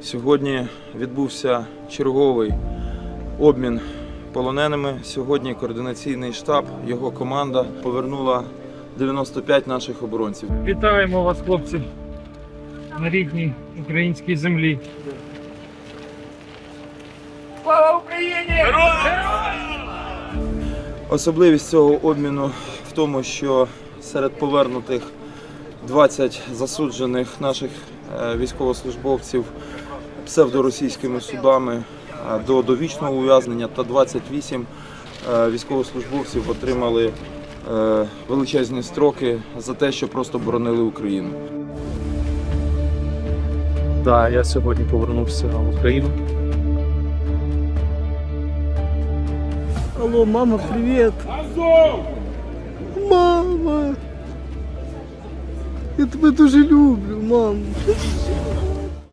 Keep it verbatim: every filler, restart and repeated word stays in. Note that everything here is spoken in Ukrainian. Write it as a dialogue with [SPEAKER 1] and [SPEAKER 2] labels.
[SPEAKER 1] Сьогодні відбувся черговий обмін полоненими. Сьогодні координаційний штаб, його команда повернула дев'яносто п'ять наших оборонців.
[SPEAKER 2] Вітаємо вас, хлопці, на рідній українській землі. Слава Україні!
[SPEAKER 1] Особливість цього обміну в тому, що серед повернутих двадцять засуджених наших військовослужбовців псевдоросійськими судами до довічного ув'язнення та двадцять вісім військовослужбовців отримали величезні строки за те, що просто боронили Україну.
[SPEAKER 3] Так, я сьогодні повернувся в Україну.
[SPEAKER 4] Алло, мама, привет! Мама! Я тебе дуже люблю, мам!